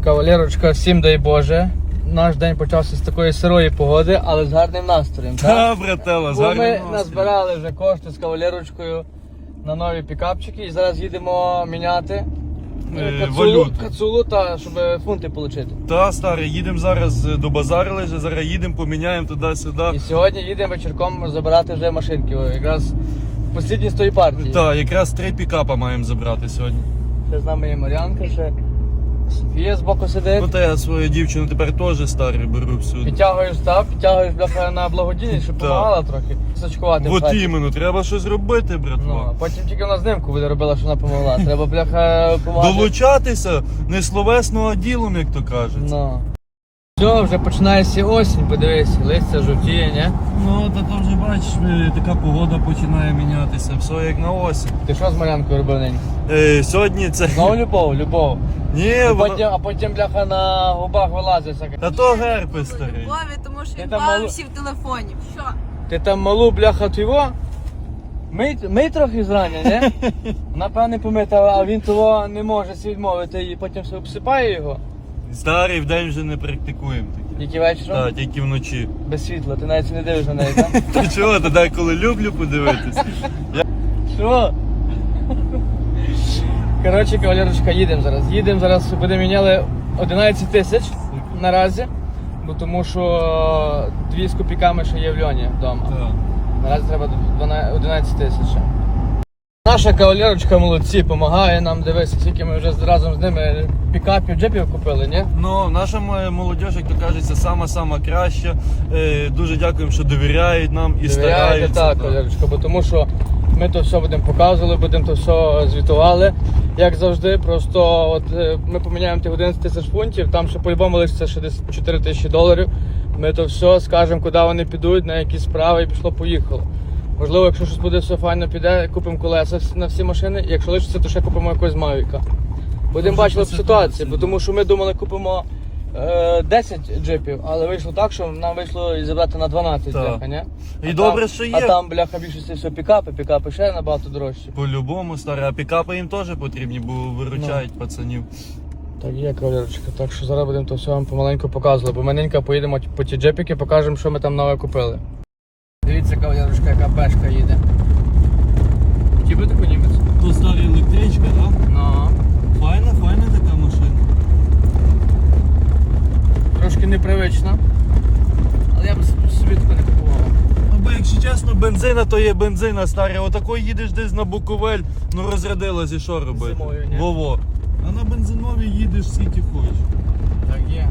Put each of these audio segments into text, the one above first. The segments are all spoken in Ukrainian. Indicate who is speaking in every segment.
Speaker 1: Кавалерочка, всім дай Боже. Наш день почався з такої сирої погоди, але з гарним настроєм.
Speaker 2: Так, брателла, з гарним
Speaker 1: Ми
Speaker 2: настроєм.
Speaker 1: назбирали вже кошти з кавалерочкою на нові пікапчики і зараз їдемо міняти
Speaker 2: валюту.
Speaker 1: кацулу, щоб фунти отримати.
Speaker 2: Та, старий, їдемо зараз до базарили, зараз їдемо, поміняємо туди-сюди.
Speaker 1: І сьогодні їдемо вечірком забирати вже машинки, якраз послідні з тої партії.
Speaker 2: Так, якраз 3 пікапа маємо забрати сьогодні.
Speaker 1: Ще з нами є Мар'янка, ще Софія збоку сидить.
Speaker 2: Ну та я свою дівчину тепер теж старий беру всюди.
Speaker 1: Підтягуєш бляха на благодійність, щоб допомагала трохи. Сачкувати.
Speaker 2: От іменно, треба щось робити,
Speaker 1: Ну,
Speaker 2: братва.
Speaker 1: а потім тільки вона знимку буде робила, що вона допомогла. Треба, бляха, допомагати.
Speaker 2: Долучатися не словесно, а ділом, як то кажуть.
Speaker 1: Ну. Все, вже починається осінь, подивись, листя жовтіє, ні?
Speaker 2: Ну, та то вже бачиш, така погода починає мінятися, все як на осінь.
Speaker 1: Ти що з Мар'янкою робив ненька?
Speaker 2: Сьогодні це...
Speaker 1: Знову любов.
Speaker 2: Ні,
Speaker 1: А потім, бляха, на губах вилазить всяке.
Speaker 2: Та то герпес старий.
Speaker 3: Любові, тому що
Speaker 1: Ти
Speaker 3: він
Speaker 1: там
Speaker 3: бавився в телефоні. Що?
Speaker 1: Ти там малу, бляха, твого? Мий трохи зрання, ні? Вона, певне, помита, а він того не може собі відмовити і потім все обсипає його.
Speaker 2: Старий вдень вже не практикуємо таке.
Speaker 1: Тільки вечором?
Speaker 2: Так, тільки вночі.
Speaker 1: Без світла, ти навіть не дивишся на неї, так?
Speaker 2: Та чого, та деколи люблю подивитись.
Speaker 1: Що? Коротше, кавалерочка, їдемо зараз, будемо міняли 11 тисяч наразі, бо тому що 2 з копійками ще є в льоні вдома.
Speaker 2: Так.
Speaker 1: Наразі треба 11 тисяч. Наша кавалерочка молодці, допомагає нам, дивися, скільки ми вже разом з ними пікапів, джипів купили, ні?
Speaker 2: Ну, наша молодь, як то кажеться, сама краща. Дуже дякуємо, що довіряють нам і стараються.
Speaker 1: Так, кавалерочка, бо тому що ми то все будемо показували, будемо то все звітували, як завжди. Просто от ми поміняємо тих 11 тисяч фунтів, там ще по-любому лишиться ще десь 4 тисячі доларів. Ми то все скажемо, куди вони підуть, на які справи, і пішло-поїхало. Можливо, якщо щось буде все файно піде, купимо колеса на всі машини, якщо лишиться, то ще купимо якогось Мавіка. Будемо бачити ситуацію, бо тому що ми думали, купимо 10 джипів, але вийшло так, що нам вийшло і забрати на 12,
Speaker 2: Так.
Speaker 1: бляха, ні?
Speaker 2: І добре, що є.
Speaker 1: А там, бляха, більшості все пікапи ще набагато дорожчі.
Speaker 2: По-любому, старий, а пікапи їм теж потрібні, бо виручають пацанів.
Speaker 1: Так є, кавалерочка, так що зараз будемо то все вам помаленьку показувати, бо ми ненька поїдемо по ті джипіки, покажемо, що ми там нове купили. Дивіться, кавалерочка, яка пешка їде. Хотів би таку німець?
Speaker 2: То стара електричка, так?
Speaker 1: Ну.
Speaker 2: Файна така машина.
Speaker 1: Трошки непривично, але я б собі таку не купував.
Speaker 2: Ну, бо якщо чесно, бензина то є бензина, старий. Отако їдеш десь на Буковель, ну розрядилась і що робити?
Speaker 1: Зимою, ні?
Speaker 2: Во-во. А на бензиновій їдеш скільки хочеш.
Speaker 1: Так є.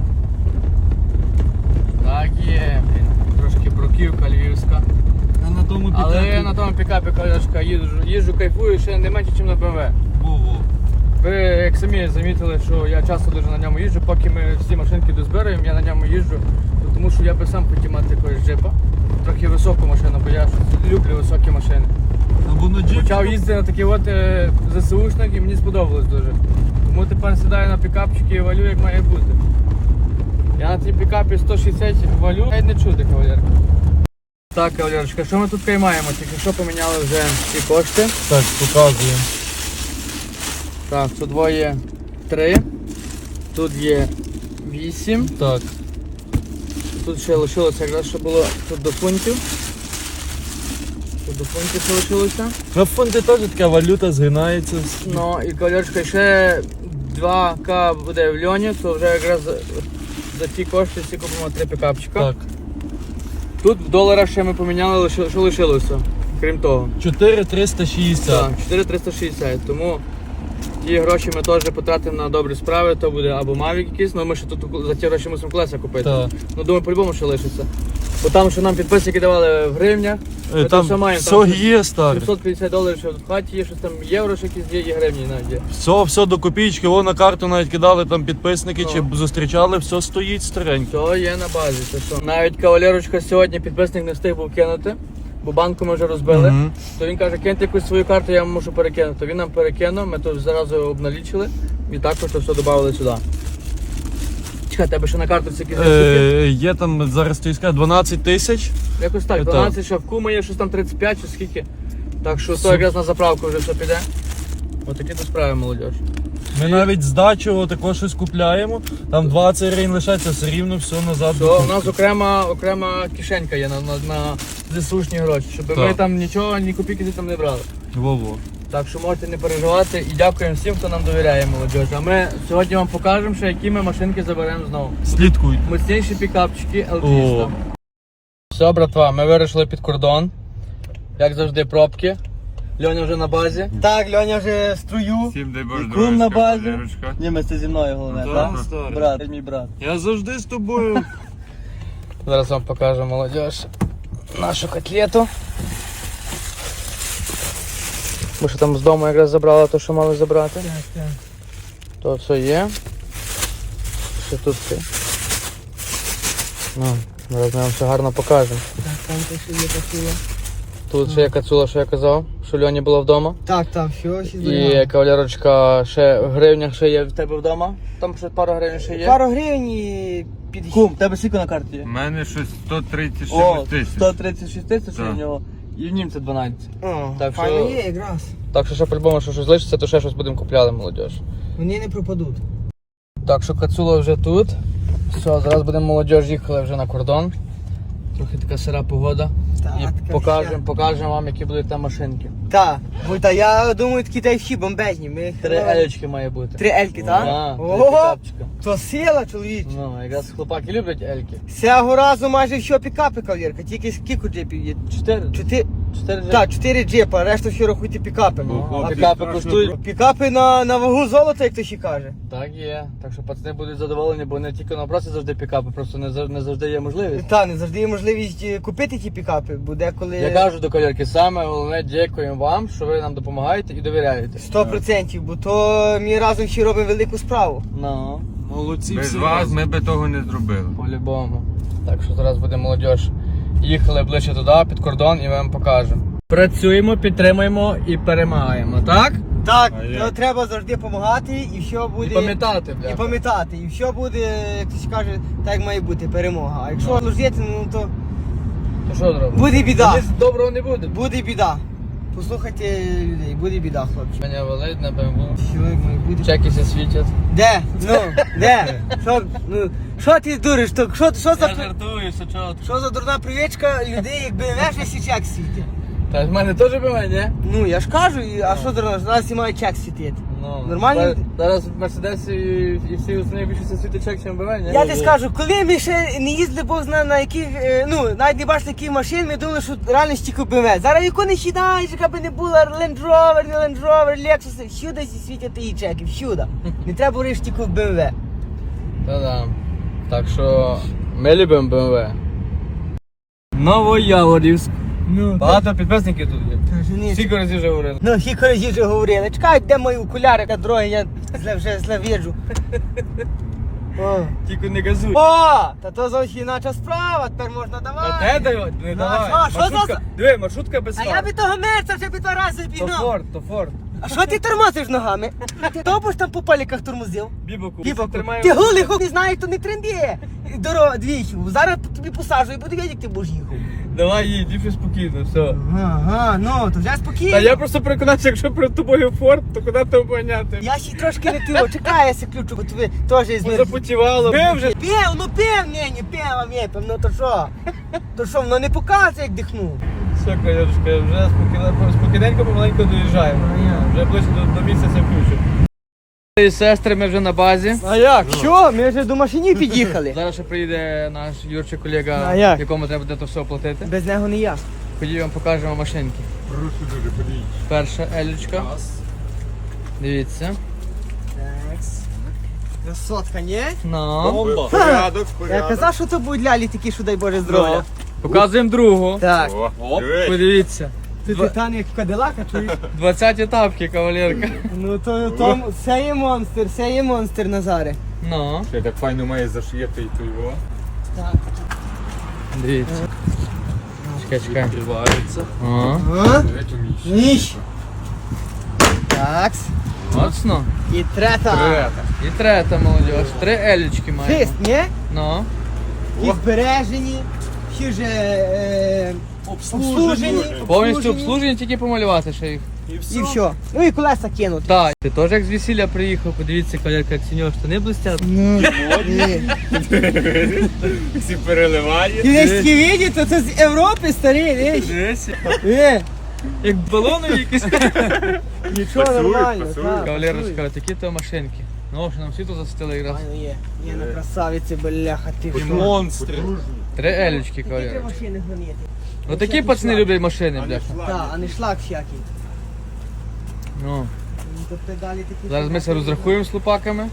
Speaker 1: Так є, блін. Трошки бруківка львівська.
Speaker 2: А на тому пікапі...
Speaker 1: Але на тому пікапі, кавалерочка, їжджу, кайфую ще не менше, ніж на BMW.
Speaker 2: Во-во.
Speaker 1: Ви як самі замітили, що я часто дуже на ньому їжджу, поки ми всі машинки дозбираємо, я на ньому їжджу, тому що я би сам хотів мати якогось джипа. Трохи високу машину, бо я люблю високі машини.
Speaker 2: Або на джип.
Speaker 1: Почав їздити на такі от ЗСУшник і мені сподобалось дуже. Тому тепер сідаю на пікапчики і валю, як має бути. Я на цій пікапі 160 валю, навіть не чути, кавалерка. Так, кавалерочка, що ми тут маємо? Тільки що поміняли вже ці кошти.
Speaker 2: Так, показуємо.
Speaker 1: Так, тут двоє 3, тут є 8,
Speaker 2: Так.
Speaker 1: тут ще лишилося якраз, що було тут до фунтів. Тут до фунтів ще лишилося.
Speaker 2: На фонді теж така валюта згинається.
Speaker 1: Ну і кавалерочка, ще 2К буде в льоні, то вже якраз за ті кошти всі купимо 3 пікапчика.
Speaker 2: Так.
Speaker 1: Тут в доларах ще ми поміняли, що лишилося, крім того.
Speaker 2: 4,360.
Speaker 1: Так, 4,360, тому ті гроші ми теж потратимо на добрі справи, то буде або Mavic якийсь, але ми ще тут за ті гроші мусимо колеса купити.
Speaker 2: Так.
Speaker 1: Ну думаю, по-любому ще лишиться. Бо там, що нам підписники давали в гривнях, ми
Speaker 2: Там
Speaker 1: то все маємо.
Speaker 2: все є, старий.
Speaker 1: 750 доларів ще в хаті є, щось там євро, ще якісь є, і гривні навіть є.
Speaker 2: Все до копійки, вон на карту навіть кидали там підписники,
Speaker 1: Ну.
Speaker 2: чи зустрічали, все стоїть старенько.
Speaker 1: Все є на базі, це що. Навіть кавалерочка сьогодні підписник не встиг був кинути, бо банку ми вже розбили.
Speaker 2: Мгм.
Speaker 1: То він каже, киньте якусь свою карту, я вам мушу перекинути. Він нам перекинув, ми то зразу обналічили і також то все додали сюди. Чекай, тебе ще на карточці якісь штуки?
Speaker 2: Є там зараз ти скажеш 12 тисяч.
Speaker 1: Якось так, 12 ще в кума є, щось там 35 чи скільки. Так що то якраз на заправку вже все піде. Отакі то справи, молодь.
Speaker 2: Ми навіть здачу також щось купляємо, там 20 гривень лишається, все рівно все назад.
Speaker 1: То у нас окрема кишенька є на ЗСУшні гроші, щоб ми
Speaker 2: Так.
Speaker 1: там нічого, ні копійки там не брали.
Speaker 2: Во-во.
Speaker 1: Так що можете не переживати і дякуємо всім, хто нам довіряє, молодіж. А ми сьогодні вам покажемо, що які ми машинки заберемо знову.
Speaker 2: Слідкуй.
Speaker 1: Мощніші пікапчики
Speaker 2: О.
Speaker 1: LG. Все, братва, ми вирішили під кордон. Як завжди, пробки. Льоня вже на базі.
Speaker 4: Так, Льоня вже струю.
Speaker 5: Всім дай Боже,
Speaker 4: Крум на базі.
Speaker 5: Валерочка.
Speaker 4: Ні, ми це зі мною головне,
Speaker 2: Ну,
Speaker 4: так?
Speaker 2: так, старий.
Speaker 4: Брат, мій брат.
Speaker 2: Я завжди з тобою.
Speaker 1: Зараз вам покажу, молодіж, нашу котлету. Ми що там з дому якраз забрали те, що мали забрати. То все є. Що тут все? Ну, зараз ми вам все гарно покажемо.
Speaker 4: Так, там те, що є кацула.
Speaker 1: Тут ще є кацула, що я казав, що Льоні була вдома.
Speaker 4: Так, все, ще
Speaker 1: І
Speaker 4: зберігаємо.
Speaker 1: кавалерочка ще в гривнях ще є в тебе вдома. Там ще пару гривень ще є.
Speaker 4: Пару гривень і під...
Speaker 1: Кум, в тебе скільки на карті є?
Speaker 5: У мене щось 136
Speaker 1: О,
Speaker 5: тисяч.
Speaker 1: 136 тисяч
Speaker 5: Так.
Speaker 1: у нього. І в німця 12.
Speaker 4: О,
Speaker 1: Так,
Speaker 4: файно
Speaker 1: що-
Speaker 4: є якраз.
Speaker 1: Так що ще по-любому, що щось лишиться, то ще щось будемо купляти, молодіж.
Speaker 4: Вони не пропадуть.
Speaker 1: Так що кацула вже тут. Все, зараз будемо молодіж їхали вже на кордон. Трохи така сира погода.
Speaker 4: Так,
Speaker 1: І
Speaker 4: така
Speaker 1: покажемо вам, які будуть там машинки.
Speaker 4: Так, бо та я думаю, такі та всі бомбезні. Ми
Speaker 1: 3 елечки має бути.
Speaker 4: 3 ельки, так?
Speaker 1: Так, 3
Speaker 4: Ого,
Speaker 1: пікапчика.
Speaker 4: то сила, чоловіч.
Speaker 1: Ну, якраз хлопаки люблять ельки.
Speaker 4: Цього разу майже все пікапи, кавалерка, тільки скільки джипів є?
Speaker 1: 4.
Speaker 4: 4,
Speaker 1: 4
Speaker 4: так, 4 джипа, решта все рахуйте пікапи.
Speaker 1: Ну,
Speaker 4: А
Speaker 1: пікапи коштують.
Speaker 4: пікапи на вагу золота, як то ще каже.
Speaker 1: Так є. Так що пацани будуть задоволені, бо не тільки на просто завжди пікапи, просто не завжди є можливість.
Speaker 4: Та, не завжди є можливість купити ті пікапи, бо деколи
Speaker 1: Я кажу до колірки, саме головне дякуємо вам, що ви нам допомагаєте і довіряєте.
Speaker 4: 100%, бо то ми разом ще робимо велику справу.
Speaker 1: Ну,
Speaker 2: Молодці
Speaker 5: Без
Speaker 2: всі
Speaker 5: вас
Speaker 2: разом.
Speaker 5: ми би того не зробили.
Speaker 1: по-любому. Так що зараз буде молодіж. Їхали ближче туди, під кордон, і ми вам покажемо. Працюємо, підтримуємо і перемагаємо, так?
Speaker 4: Так,
Speaker 5: А як?
Speaker 4: то треба завжди допомагати і все буде.
Speaker 1: І пам'ятати,
Speaker 4: І
Speaker 1: бля.
Speaker 4: пам'ятати, і все буде, як хтось каже, так як має бути, перемога. А якщо ложити, ну то
Speaker 1: То що зробимо?
Speaker 4: буде біда.
Speaker 1: Ніс доброго не буде.
Speaker 4: Буде біда. Послухайте людей, буде біда, хлопці.
Speaker 1: Мене валить на БМВ.
Speaker 4: Що як має бути?
Speaker 1: Чеки все світять.
Speaker 4: Де? Ну, де? Що ти дуриш? Що за
Speaker 1: жартую, все чого.
Speaker 4: що за дурна привичка людей, якби не ще чек світить?
Speaker 1: Та в мене теж БМВ, ні?
Speaker 4: Ну я ж кажу, а що дурна? Зараз і має чек світити.
Speaker 1: Ну,
Speaker 4: Нормально?
Speaker 1: Зараз в Мерседесі і всі основні більше все світить чек, ніж БМВ, ні?
Speaker 4: Я тобі скажу, коли ми ще не їздили, Бог знає на яких, ну, навіть не бачили яких машин, ми думали, що реально стільки БМВ. Зараз яку не сідаєш, яка би не була Land Rover, не Land Rover, Lexus, всюди світять і чеки, всюди. Не треба говорити тільки в БМВ.
Speaker 1: Та-да. Так що ми любимо БМВ. Новояворівськ.
Speaker 4: Ну,
Speaker 1: Багато підписників тут є.
Speaker 4: Женись.
Speaker 1: Скільки разів вже говорили.
Speaker 4: Ну, кілька разів вже говорили. Чекай, де мої окуляри, яка дороги, я вже зле в'їжджу. О.
Speaker 1: Тільки не газуй.
Speaker 4: О, та то зовсім інакша справа, тепер можна
Speaker 1: Та
Speaker 4: давати.
Speaker 1: те дай, не
Speaker 4: Ну,
Speaker 1: давай.
Speaker 4: а що за-
Speaker 1: Маршрутка, диви, маршрутка без
Speaker 4: А
Speaker 1: фар.
Speaker 4: я би того мерця вже би 2 рази
Speaker 1: То
Speaker 4: бігнав.
Speaker 1: Форд, то Форд.
Speaker 4: А що ти тормозиш ногами? Ти довго ж там по паліках тормозив?
Speaker 1: Бібоку,
Speaker 4: Бібаку.
Speaker 1: тримаємо.
Speaker 4: Ти голий хуй не знаєш, то не тренді. Дорога двічі. Зараз тобі посаджу і буду видіти, як ти будеш їхав.
Speaker 1: Давай їдь, їдь спокійно, все.
Speaker 4: Ага, ну, то вже спокійно.
Speaker 1: Та я просто переконався, якщо перед тобою Форд, то куди ти обганяти?
Speaker 4: Я ще трошки не тило, чекай, я ся ключу, бо тобі теж із них.
Speaker 1: Запотівало. Ми вже.
Speaker 4: Пів, ну пів, ні, пів, випив, ну то що? То що, воно не показує, як дихнув.
Speaker 1: Все, Кайошка, вже спокійненько, помаленько доїжджаємо. Вже ближче до місяця включу. І сестри, ми вже на базі.
Speaker 4: А як? Що? Ми вже до машині під'їхали.
Speaker 1: Зараз ще приїде наш Юрчик колега,
Speaker 4: А як?
Speaker 1: якому треба буде то все оплатити.
Speaker 4: Без нього не я.
Speaker 1: Ходіть, вам покажемо машинки.
Speaker 5: Прошу дуже, ходіть.
Speaker 1: Перша елючка. Дивіться.
Speaker 4: Красотка, ні?
Speaker 1: Ну.
Speaker 2: Бомба.
Speaker 5: Порядок,
Speaker 4: Я казав, що то будуть лялі такі, що дай Боже здоров'я.
Speaker 1: Показуємо другу.
Speaker 4: Так.
Speaker 5: О, дивись.
Speaker 1: Подивіться.
Speaker 4: Ти титан як Кадилака, чуєш?
Speaker 1: 20 етапки, кавалерка.
Speaker 4: Ну то це є монстр, Назаре.
Speaker 1: Ну.
Speaker 5: Ще так файно має зашиєти і то його.
Speaker 4: Так.
Speaker 1: Дивіться. Чекай.
Speaker 2: Відкривається.
Speaker 1: О.
Speaker 4: А?
Speaker 5: Дивись, умієш.
Speaker 4: Ніж. Так.
Speaker 1: Моцно.
Speaker 4: І трета.
Speaker 1: І трета, молодіж. 3 елючки маємо.
Speaker 4: Фіст, ні?
Speaker 1: Ну.
Speaker 4: І збережені. Всі вже обслужені.
Speaker 1: Повністю обслужені, тільки помалювати ще їх.
Speaker 4: І все. Ну і колеса кинути.
Speaker 1: Так, ти теж як з весілля приїхав, подивіться, колірка, як синього штани блистять.
Speaker 4: Ну,
Speaker 5: Всі переливає.
Speaker 4: ти весь такі видите, це з Європи старий, весь.
Speaker 1: Як балони якісь.
Speaker 4: Нічого
Speaker 5: Пасує,
Speaker 4: нормально.
Speaker 5: пасує.
Speaker 4: так,
Speaker 1: Кавалерочка, такі то машинки. Ну, що нам світло засвітили якраз.
Speaker 4: Файно є. Є на красавиці, бляха, ти що.
Speaker 2: Монстри.
Speaker 1: Три елючки,
Speaker 4: Які три
Speaker 1: кавалерочка.
Speaker 4: машини гонити.
Speaker 1: Отакі пацани люблять машини, бляха.
Speaker 4: Так, а не шлак всякий.
Speaker 1: Ну,
Speaker 4: Ну, то педалі такі.
Speaker 1: зараз ми це розрахуємо з лупаками.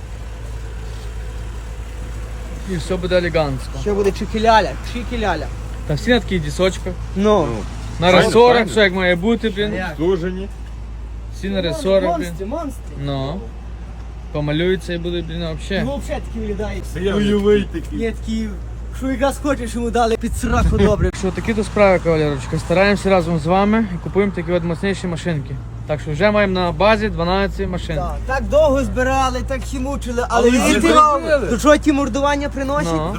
Speaker 1: І все буде елегантно.
Speaker 4: Що буде чикіляля, чикіляля.
Speaker 1: Та всі на таких дісочках.
Speaker 4: Ну.
Speaker 1: На
Speaker 5: Файно,
Speaker 1: ресорах,
Speaker 5: файно.
Speaker 1: все як має бути, блін.
Speaker 4: Як?
Speaker 5: Служені.
Speaker 1: Всі на ресорах, блін.
Speaker 4: Монстри, монстри.
Speaker 1: Ну. Помалюються і будуть, блін,
Speaker 4: Ну,
Speaker 1: взагалі.
Speaker 4: взагалі такі виглядають.
Speaker 5: Бойовий такий.
Speaker 4: Є такі, що якраз хочеш, йому дали під сраку добре.
Speaker 1: Що такі то справи, кавалерочка. Стараємося разом з вами і купуємо такі от мощніші машинки. Так що вже маємо на базі 12 машин.
Speaker 4: Так довго збирали, так всі мучили, але
Speaker 1: вже
Speaker 4: видите,
Speaker 1: зробили.
Speaker 4: то що ті мордування приносять?
Speaker 1: Ну.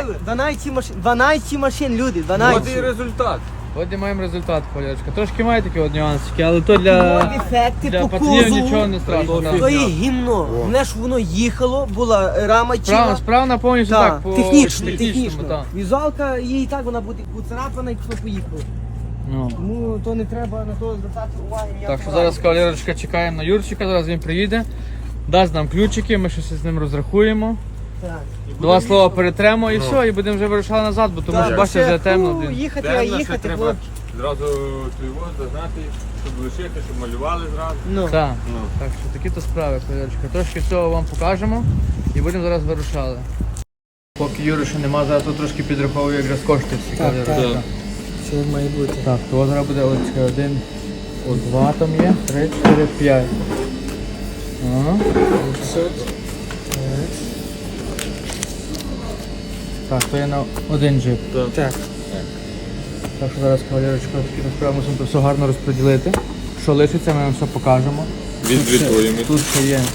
Speaker 4: 12 машин, люди, 12.
Speaker 5: От і результат.
Speaker 1: От і маємо результат, кавалерочка. Трошки має такі от нюансики, але то для
Speaker 4: Ефекти
Speaker 1: для
Speaker 4: по
Speaker 1: пацанів нічого
Speaker 4: кузову.
Speaker 1: не страшно.
Speaker 4: То
Speaker 1: так.
Speaker 4: є гімно. Мене ж воно їхало, була рама ціла.
Speaker 1: Справна повністю
Speaker 4: Так,
Speaker 1: так, по
Speaker 4: технічно,
Speaker 1: технічному,
Speaker 4: технічно.
Speaker 1: так.
Speaker 4: Візуалка, їй так вона буде поцарапана і пішло поїхало.
Speaker 1: Ну.
Speaker 4: Тому то не треба на то звертати уваги.
Speaker 1: Так що зараз кавалерочка чекаємо на Юрчика, зараз він приїде, дасть нам ключики, ми щось з ним розрахуємо.
Speaker 4: Так.
Speaker 1: Два слова перетремо і все, і будемо вже вирушати назад, бо тому що бачите, вже темно. Блін.
Speaker 4: Їхати, а
Speaker 5: Темно, ще
Speaker 4: їхати,
Speaker 5: треба
Speaker 4: хлопці.
Speaker 5: зразу твого зазнати, щоб лишити, щоб малювали зразу.
Speaker 4: Ну.
Speaker 1: Так.
Speaker 5: Ну.
Speaker 1: Так що такі то справи, кавалерочка. Трошки всього вам покажемо і будемо зараз вирушали. Поки Юри ще нема, зараз тут трошки підраховую якраз кошти всі, кавалерочка.
Speaker 4: Що має бути?
Speaker 1: Так, то зараз буде ось один, два там є, 3, 4, 5. Ага. Так, то є на один джип.
Speaker 4: Так.
Speaker 1: Так що зараз кавалерочка такі справи мусимо то все гарно розподілити. Що лишиться, ми вам все покажемо.
Speaker 5: Відзвітуємо.
Speaker 1: Тут ще є,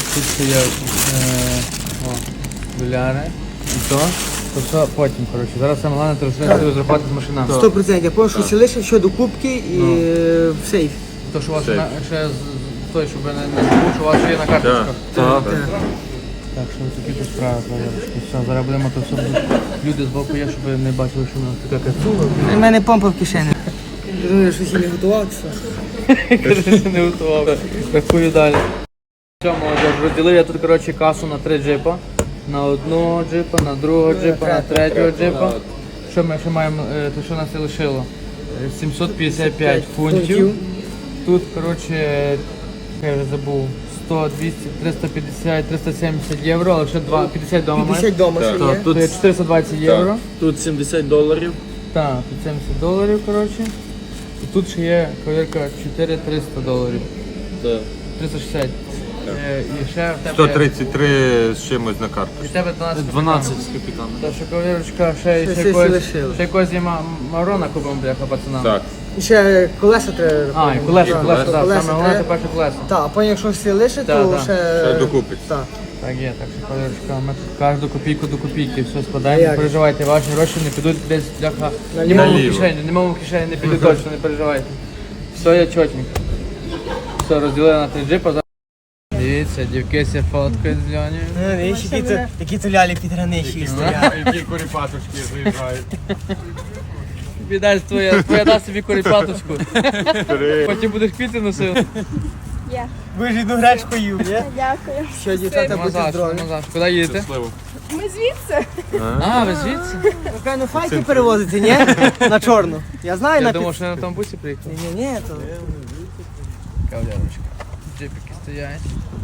Speaker 1: доляри і то все потім, коротше. Зараз саме головне треба розрахувати з машинами.
Speaker 4: 100%. Я пам'ятаю, що ще лише що до кубки і в сейф.
Speaker 1: То, що у вас
Speaker 5: Сейф.
Speaker 1: ще той, щоб не забув, що у вас ще є на карточках.
Speaker 5: Так.
Speaker 1: Так що такі тут справи, кавалерочки. Все, зараз будемо то все. Люди з боку є, щоб не бачили, що у нас така кацула.
Speaker 4: У мене помпа в кишені. Думаю, що ще не готував, що?
Speaker 1: Не готував. Рахую далі. Все, молодіж, розділив я тут, коротше, касу на 3 джипа. На одного джипа, на другого джипа, на третього джипа. Що ми ще маємо, то що нас і лишило? 755 фунтів. Тут, коротше, я вже забув, 100, 200, 350, 370 євро, але ще 50 дома маєш.
Speaker 4: 50 дома ще є.
Speaker 1: Тут є 420 євро.
Speaker 2: Тут $70.
Speaker 1: Так, тут $70, коротше. І тут ще є кавалерка $400.
Speaker 2: Так.
Speaker 1: 360. І ще в тебе
Speaker 5: 133 з чимось на карту.
Speaker 1: і в тебе 12.
Speaker 2: 12 з капітаном.
Speaker 1: Та що кавалерочка, ще
Speaker 4: Ще
Speaker 1: якось,
Speaker 4: лишилось.
Speaker 1: ще якось є Марона купимо, бляха, пацанам.
Speaker 5: Так.
Speaker 4: І ще колеса треба.
Speaker 1: А, і колеса,
Speaker 5: колеса,
Speaker 1: так,
Speaker 4: колеса
Speaker 1: саме головне
Speaker 4: треба.
Speaker 1: тепер ще колеса.
Speaker 4: Так, а потім якщо всі лише,
Speaker 1: Так,
Speaker 4: то
Speaker 1: так.
Speaker 4: ще...
Speaker 5: Ще докупить.
Speaker 4: Так.
Speaker 1: Так є, так що кавалерочка, ми тут кожну копійку до копійки все
Speaker 4: А
Speaker 1: складаємо,
Speaker 4: як?
Speaker 1: не переживайте, ваші гроші не підуть десь, бляха,
Speaker 4: Наліво.
Speaker 1: німому в
Speaker 5: Наліво.
Speaker 1: кишені, німому в кишені не підуть точно, не переживайте. Все є чотенько. Все, розділили на 3 джипа. Дивіться, дівки ся фоткають з Льонею.
Speaker 4: Які то лялі підграничі стоять.
Speaker 5: Які коріпаточки заїжджають.
Speaker 1: Віддай твоя дасть собі коріпаточку. Потім будеш квіти носити.
Speaker 4: Ви ж одну гречку їв, ні?
Speaker 3: Дякую.
Speaker 4: Що, дівчата,
Speaker 1: Нема
Speaker 4: будьте
Speaker 1: за що,
Speaker 4: здорові.
Speaker 1: нема за що. Куди їдете?
Speaker 5: Щасливо.
Speaker 3: Ми звідси.
Speaker 1: А, ви звідси?
Speaker 4: Напевно, файки перевозите, ні? На чорну. Я знаю,
Speaker 1: Я
Speaker 4: на
Speaker 1: думав, що я на тому бусі приїхав.
Speaker 4: Ні, то...
Speaker 1: Кавалерочка. Джипики стоять.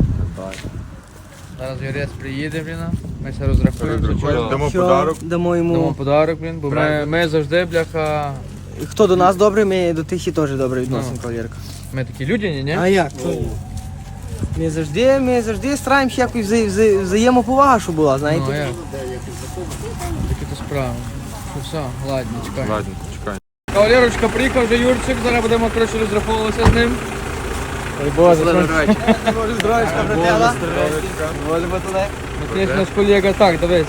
Speaker 1: Зараз Юрець приїде, блін. Ми все розрахуємо.
Speaker 5: Розрахуємо. Дамо
Speaker 4: Що,
Speaker 5: подарок.
Speaker 4: Дамо
Speaker 1: Дамо
Speaker 4: йому...
Speaker 1: подарок, блін, бо ми завжди, бляха,
Speaker 4: Хто до нас добрий, ми до тих і теж добре відносимо, кавалерка.
Speaker 1: ми такі людяні, ні?
Speaker 4: А як? Ми завжди стараємося якось взаємоповага, щоб була, знаєте?
Speaker 1: Ну, а як? Такі то справи. Що все, ладно, чекай.
Speaker 5: Ладно, чекай.
Speaker 1: Кавалерочка, приїхав вже Юрчик, зараз будемо, коротше, розраховуватися з ним. Ой, Боже,
Speaker 4: Може, здоровечка, братела. Волі батуле.
Speaker 1: Матвій наш колега, так, дивись.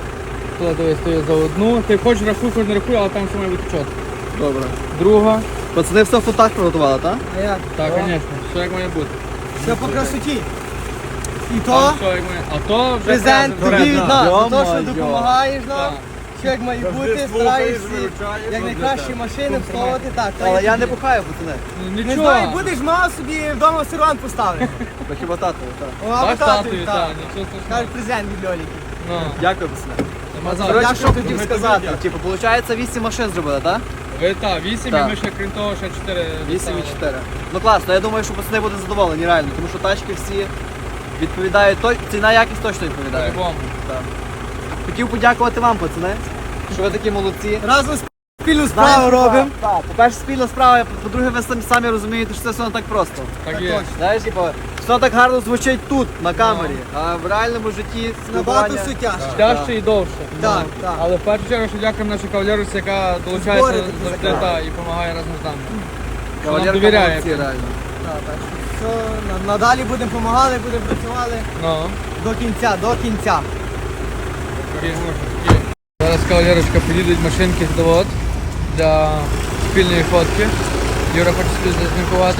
Speaker 1: Тут дивись, то є за одну. Ти хочеш рахуй, хоч не рахуй, але там все має бути чітко.
Speaker 4: Добре.
Speaker 1: Друга,
Speaker 6: Пацани все в футах приготували, так?
Speaker 4: А як?
Speaker 1: Так, звісно, все як має бути.
Speaker 4: Все по красоті. І то
Speaker 1: Там все як має. А то вже
Speaker 4: презент тобі від
Speaker 1: презент.
Speaker 4: нас, за те, що
Speaker 6: Йо-моє.
Speaker 4: допомагаєш нам.
Speaker 1: Так.
Speaker 4: Що як має бути, стараєшся як найкращі машини вставити. Так, то
Speaker 6: Але
Speaker 4: є
Speaker 6: я не
Speaker 4: тобі.
Speaker 6: бухаю, пацани.
Speaker 1: Ну,
Speaker 4: Не
Speaker 1: нічого.
Speaker 4: знаю, будеш мав собі вдома сервант поставити.
Speaker 6: Та хіба тато, так.
Speaker 4: О,
Speaker 1: Так,
Speaker 4: або
Speaker 1: татові,
Speaker 4: татові,
Speaker 1: так,
Speaker 4: так.
Speaker 1: нічого страшного.
Speaker 4: Кажуть, презент від Льоліки.
Speaker 1: Ну,
Speaker 6: Дякую, пацани.
Speaker 1: нема за
Speaker 6: Коротше,
Speaker 1: що.
Speaker 6: що хотів сказати? Типу, виходить, 8 машин зробили, так?
Speaker 1: Ви так, 8 і
Speaker 6: Так.
Speaker 1: ми ще крім того, ще 4
Speaker 6: 8 і 4. Ну класно, я думаю, що пацани будуть задоволені, реально, тому що тачки всі відповідають, ціна якість точно відповідає.
Speaker 1: По-любому.
Speaker 6: Так. Хотів подякувати вам, пацани, що ви такі молодці.
Speaker 4: Разом спільну справу робимо.
Speaker 6: Так, по-перше, спільна справа, по-друге, ви самі розумієте, що це все не так просто.
Speaker 1: Так є.
Speaker 6: Знаєш, типу, все так гарно звучить тут, на камері, а в реальному житті
Speaker 4: Набагато
Speaker 6: спілкування...
Speaker 4: все тяжче.
Speaker 1: Тяжче і довше.
Speaker 4: Так, так.
Speaker 1: Але в першу чергу, що дякуємо нашій кавалерусі, яка долучається
Speaker 4: Збори такі
Speaker 1: завжди
Speaker 4: закриває.
Speaker 1: і допомагає разом з нами.
Speaker 6: Кавалерка
Speaker 1: Нам довіряє.
Speaker 6: молодці, реально.
Speaker 4: Так, так. Все, надалі будемо допомагати, будемо працювати
Speaker 1: Ну,
Speaker 4: до кінця, до кінця.
Speaker 1: такі. Зараз кавалерочка підійдуть машинки з довод для спільної фотки. Юра хоче собі зазнімкувати.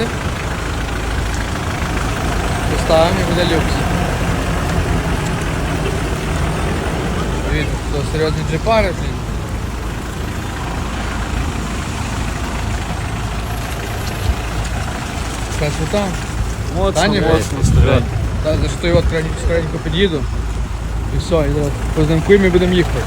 Speaker 1: Поставимо і буде люкс. Дивіться, що серйозні джипари, блін. Красота. Таня, Так, за що я от скоренько під'їду. І все, і зараз познамкуємо і будемо їхати.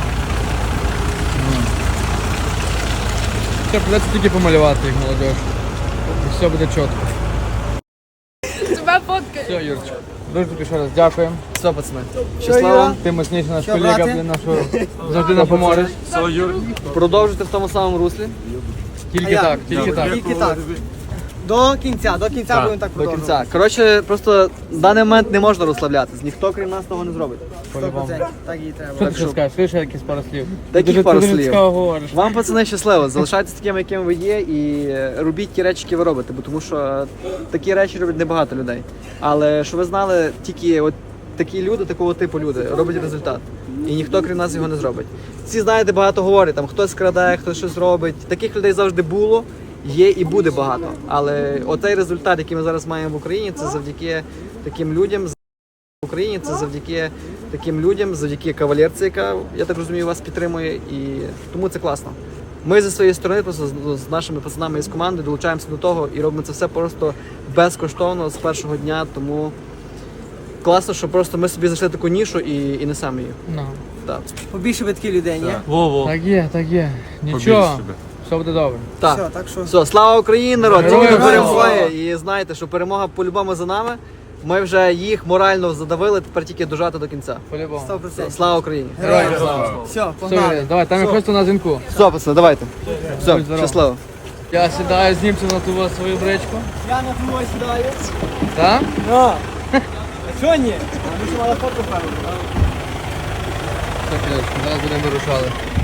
Speaker 1: Все, придеться тільки помалювати їх, молодіж. І все буде чітко.
Speaker 3: Тебе фоткаю.
Speaker 1: Все, Юрчик. Дуже тобі ще раз дякуємо.
Speaker 6: Все, пацани.
Speaker 4: Юра?
Speaker 6: Щасливо.
Speaker 1: Ти мощніший наш
Speaker 4: Що,
Speaker 1: колега,
Speaker 4: брате?
Speaker 1: блін, нашого завжди нам поможеш.
Speaker 2: Все, Юр.
Speaker 6: Продовжуйте в тому самому руслі.
Speaker 1: Тільки
Speaker 4: я?
Speaker 1: так, тільки так.
Speaker 4: Тільки так. До кінця будемо так
Speaker 6: До
Speaker 4: продовжувати.
Speaker 6: кінця. Коротше, просто в даний момент не можна розслаблятись. Ніхто, крім нас, того не зробить.
Speaker 4: 100%. Так і треба.
Speaker 1: Що ти ще скажеш? Скажи ще якісь пару слів.
Speaker 6: Яких
Speaker 1: Ти дуже-
Speaker 6: пару
Speaker 1: ти дуже
Speaker 6: слів?
Speaker 1: цікаво говориш.
Speaker 6: Вам, пацани, щасливо. Залишайтеся такими, якими ви є, і робіть ті речі, які ви робите, бо тому що такі речі роблять небагато людей. Але що ви знали, тільки от такі люди, такого типу люди роблять результат. І ніхто, крім нас, його не зробить. Всі, знаєте, багато говорять, там хтось крадає, хтось щось робить. Таких людей завжди було, є і буде багато. Але оцей результат, який ми зараз маємо в Україні, це завдяки таким людям. В Україні це завдяки таким людям, завдяки кавалерці, яка, я так розумію, вас підтримує, і тому це класно. Ми зі своєї сторони, просто з нашими пацанами із команди долучаємося до того і робимо це все просто безкоштовно з першого дня, тому класно, що просто ми собі знайшли таку нішу і несемо її.
Speaker 1: Ну.
Speaker 6: Так.
Speaker 4: Побільше ви такі людей, ні?
Speaker 2: Во-во.
Speaker 1: Так є, так є. Нічого.
Speaker 5: Побільше себе.
Speaker 1: Все буде добре.
Speaker 6: Так.
Speaker 4: Все, так що
Speaker 6: Все, слава Україні, народ!
Speaker 1: Героям
Speaker 6: Тільки
Speaker 1: слава!
Speaker 6: перемагає. І знайте, що перемога по-любому за нами. Ми вже їх морально задавили, тепер тільки дожати до кінця.
Speaker 1: По-любому.
Speaker 4: 100%.
Speaker 6: Слава Україні!
Speaker 1: Героям слава.
Speaker 4: Все,
Speaker 1: Все,
Speaker 4: погнали.
Speaker 1: давай, там я просто на дзвінку.
Speaker 6: Все, пацани, давайте. Все,
Speaker 1: Будь здоров.
Speaker 6: щасливо.
Speaker 1: Я сідаю з німцем на ту свою бричку.
Speaker 4: Я на твою сідаю.
Speaker 1: Так?
Speaker 4: Ну. А чого ні? Ми ж мали фото певно.
Speaker 1: Так, зараз будемо вирушали.